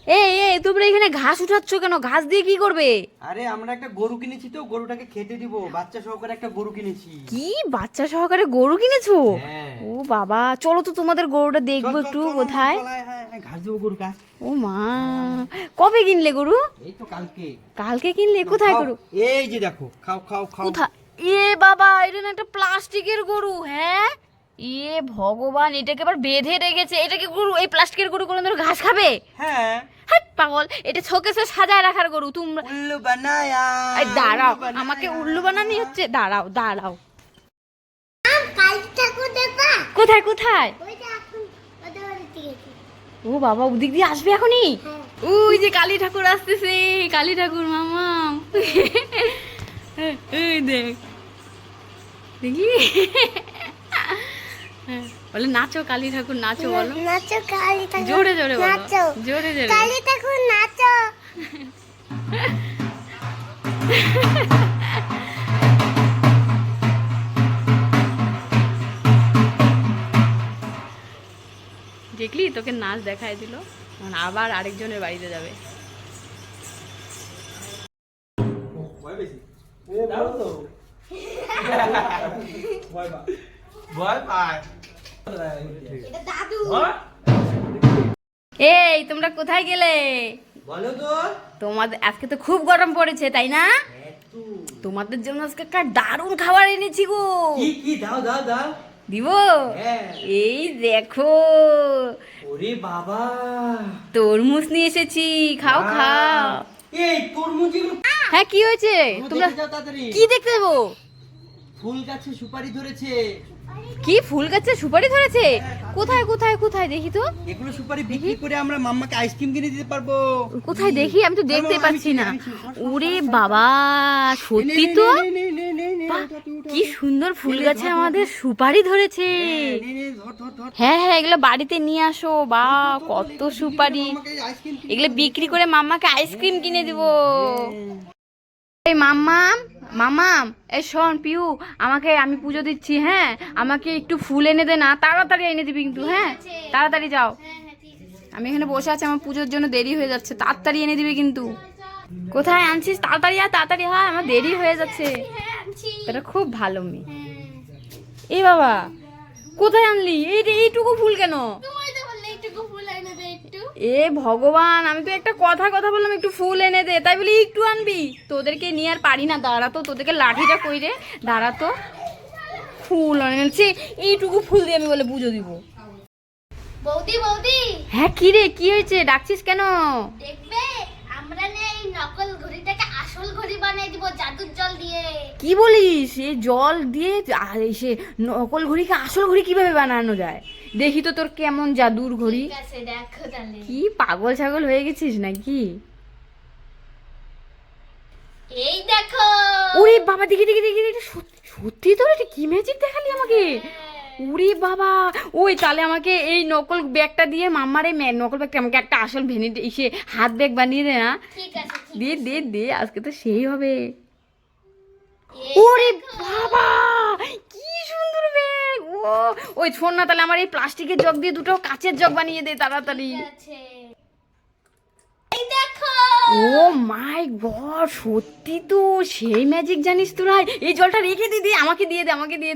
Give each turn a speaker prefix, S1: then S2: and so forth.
S1: এই এই তোমরা এখানে ঘাস উঠাচ্ছ কেন? ঘাস দিয়ে কি করবে?
S2: আরে আমরা একটা গরু কিনেছি তো, গরুটাকে খেতে দিব, বাচ্চা সহকারে একটা গরু কিনেছি।
S1: কি বাচ্চা সহকারে গরু কিনেছো?
S2: হ্যাঁ।
S1: ও বাবা, চলো তো তোমাদের গরুটা
S2: চল,
S1: দেখবো
S2: চল,
S1: একটু।
S2: চল,
S1: কোথায়?
S2: চল, হ্যাঁ, হ্যাঁ, ঘাস দেবো গরুটা।
S1: ও মা, কবে কিনলে গরু?
S2: এই তো কালকে।
S1: কালকে কিনলে? কোথায়
S2: খাও,
S1: গরু?
S2: এই যে দেখো, খাও খাও খাও।
S1: কোথায়? এ বাবা, এটা না একটা প্লাস্টিকের গরু। হ্যাঁ, এ ভগবান, এটাকে আবার বেঁধে রেখেছে। এটা কি গরু? এই প্লাস্টিকের গরু কোনো ধরো ঘাস খাবে?
S2: হ্যাঁ,
S1: হাট পাগল, এটা শোকেসে সাজায় রাখার গরু। তোমরা
S2: উল্লু বানায়া।
S1: এই দাঁড়াও,
S2: উল্লু বানায়া।
S1: আমাকে উল্লু বানানি হচ্ছে? দাঁড়াও দাঁড়াও।
S3: কালী ঠাকুর দেখবা?
S1: কোথায় কোথায়?
S3: ওই যে এখন ওদের বাড়িতে গেছি।
S1: ও বাবা, ওদিক দিয়ে আসবে এখনই?
S3: হ্যাঁ।
S1: ওই যে কালী ঠাকুর আসতেছে, কালী ঠাকুর মামা। এই দেখ, দেখলি? বলে নাচো কালী ঠাকুর নাচো, বলো
S3: নাচো কালী ঠাকুর।
S1: জোরে জোরে বলো,
S3: নাচো
S1: জোরে জোরে।
S3: কালী ঠাকুর নাচো।
S1: দেখলি, তোকে নাচ দেখাই দিল। এখন আবার আরেকজনের বাড়িতে যাবে।
S3: এটা দাদু।
S1: এই তোমরা কোথায় গেলে?
S2: বলো তো।
S1: তোমাদের আজকে তো খুব গরম পড়েছে, তাই না?
S2: একটু।
S1: তোমাদের জন্য আজকে একটা দারুণ খাবার এনেছি গো।
S2: কি কি দাও দাও দাও।
S1: দিব?
S2: হ্যাঁ।
S1: এই দেখো,
S2: ওরে বাবা,
S1: তরমুজ নিয়ে এসেছি, খাও খাও।
S2: এই তরমুজ এগুলো
S1: হ্যাঁ, কি হয়েছে? তোমরা
S2: দেখে যাও তাড়াতাড়ি।
S1: কি দেখতে দেবো?
S2: ফুল গাছে সুপারি ধরেছে।
S1: কি ফুল গাছে সুপারি ধরেছে? কোথায় কোথায় কোথায় দেখি তো।
S2: এগুলো সুপারি বিক্রি করে আমরা মাম্মাকে আইসক্রিম কিনে দিতে পারবো।
S1: কোথায় দেখি? আমি তো
S2: চলো,
S1: দেখতে
S2: আমি
S1: পাচ্ছি
S2: চিনি,
S1: না।
S2: আমি চিনি। সর, সর,
S1: ওরে
S2: সর, সর,
S1: বাবা,
S2: সর।
S1: সত্যি
S2: নে,
S1: তো।
S2: নে, নে, নে, নে, নে,
S1: বাহ,
S2: উঠা, উঠা,
S1: কি
S2: উঠা।
S1: সুন্দর ফুল
S2: নে, নে,
S1: গাছে
S2: ধর, ধর,
S1: আমাদের
S2: ধর।
S1: সুপারি ধরেছে।
S2: হ্যাঁ, নে, নে, ধর, ধর, ধর।
S1: হ্যাঁ হ্যাঁ, এগুলো বাড়িতে নিয়ে আসো। বা
S2: ধর, ধর, ধর,
S1: কত
S2: এগুলো বিক্রি করে
S1: সুপারি!
S2: মাম্মাকে আইসক্রিম কিনে
S1: এগুলো
S2: দিতে
S1: বিক্রি
S2: হবে।
S1: করে মাম্মাকে আইসক্রিম কিনে দিব।
S2: হ্যাঁ।
S1: এই মাম্মাম, মাম্মাম, এই শোন পিউ, আমি পুজো দিচ্ছি, হ্যাঁ? আমাকে একটু ফুল এনে দে না, তাড়াতাড়ি এনে দিবি কিন্তু, হ্যাঁ? তাড়াতাড়ি যাও। আমি এখানে বসে আছি, আমার পুজোর জন্য দেরি হয়ে যাচ্ছে, তাড়াতাড়ি এনে দিবি কিন্তু। কোথায় আনছিস? তাড়াতাড়ি আয়, তাড়াতাড়ি হয়, আমার দেরি হয়ে যাচ্ছে। এটা খুব ভালো মেয়ে। এই বাবা, কোথায় আনলি? এইটুকু ফুল কেন?
S3: তোমায় তো বললে একটু ফুল এনে দে একটু।
S1: এ ভগবান, আমি তো একটা কথা বললাম একটু ফুল এনে দে, তাই বলি একটু আনবি? তোদেরকে নিয়ে আর পারি না, দাঁড়া তো, তোদেরকে লাঠিটা কই রে, দাঁড়া তো। ফুল এনেছি, এইটুকু ফুল দিয়ে আমি বলে পুজো দিব?
S3: বৌদি বৌদি
S1: হ্যাঁ, কি রে, কি হয়েছে? ডাকছিস কেন?
S3: দেখবে, আমরা না এই নকল ঘড়িটাকে আসল ঘড়ি বানিয়ে দিব জাদুর জল দিয়ে।
S1: কি বলিস? এ জল দিয়ে? আর সে নকল ঘড়িকে আসল ঘড়ি কিভাবে বানানো যায়? দেখি তো তোর কেমন জাদুর ঘড়ি।
S3: ঠিক আছে, দেখো তাহলে।
S1: কি পাগল ছাগল হয়ে গেছিস নাকি?
S3: এই দেখো।
S1: ওরে বাবা, দেখি দেখি দেখি দেখি, সত্যি তো? এটা কি ম্যাজিক দেখালি আমাকে? ওরে বাবা, ওই তাহলে আমাকে এই নকল ব্যাগটা দিয়ে মাম্মারে নকল ব্যাগটা আমাকে একটা আসল ভ্যানিটি এসে হাত ব্যাগ বানিয়ে দে না।
S3: ঠিক আছে, ঠিক
S1: দে দে দে, আজকে তো সেই হবে।
S3: এই
S1: ওরে
S3: দেখো।
S1: বাবা, কি সুন্দর ব্যাগ! ওই শোন না, তাহলে আমার এই প্লাস্টিকের জগ দিয়ে দুটো কাচের জগ বানিয়ে দে তাড়াতাড়ি।
S3: ঠিক আছে। এই দেখো।
S1: ও মাই গড, সত্যি তো সেই ম্যাজিক জানিস তোরা। এই জলটা রেখে দিদি, আমাকে দিয়ে দে, আমাকে দিয়ে দে।